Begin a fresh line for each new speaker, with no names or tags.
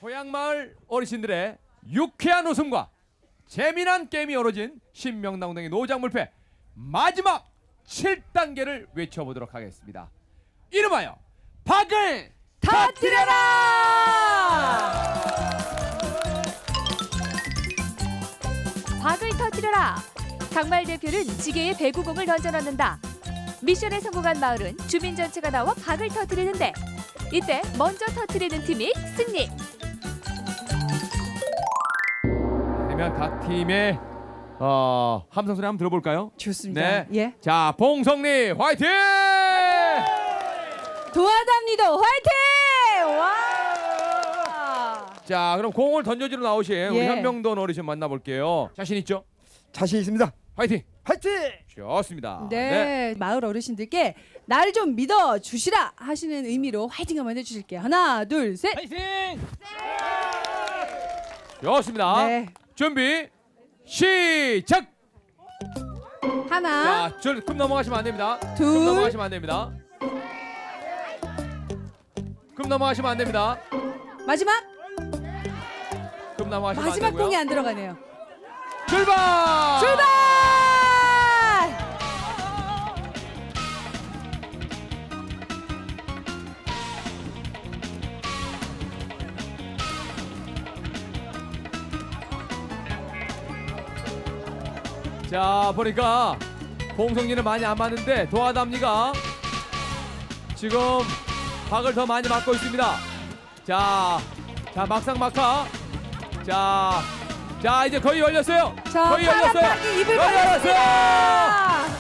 고향마을 어르신들의 유쾌한 웃음과 재미난 게임이 어우러진 신명당동의 노장물패 마지막 7단계를 외쳐보도록 하겠습니다. 이름하여 박을
터뜨려라! 박을 터뜨려라! 강마을 대표는 지게에 배구공을 던져넣는다. 미션에 성공한 마을은 주민 전체가 나와 박을 터뜨리는데 이때 먼저 터뜨리는 팀이 승리!
그러면 각 팀의 함성 소리 한번 들어볼까요?
좋습니다.
네.
예.
자, 봉성리 화이팅!
도와답니다. 화이팅! 와!
자, 그럼 공을 던져주러 나오신 우리
예.
현명돈 어르신 만나볼게요. 자신 있죠?
자신 있습니다.
화이팅!
화이팅!
좋습니다.
네. 마을 어르신들께 나를 좀 믿어 주시라 하시는 의미로 화이팅 한번 해주실게요. 하나, 둘, 셋.
화이팅! 좋습니다.
네.
준비 시작.
하나,
자, 금 넘어가시면 안 됩니다.
둘.
금 넘어가시면 안 됩니다. 금 넘어가시면 안 됩니다.
마지막.
금 넘어가시면 안
마지막
되고요.
공이 안 들어가네요.
출발!
출발!
자, 보니까 봉성리는 많이 안 맞는데 도하담리가 지금 박을 더 많이 맞고 있습니다. 자, 막상 막하. 자, 이제 거의 열렸어요.
자,
거의
파란
열렸어요.
박이 입을
거의 열렸어요.
벌렸습니다.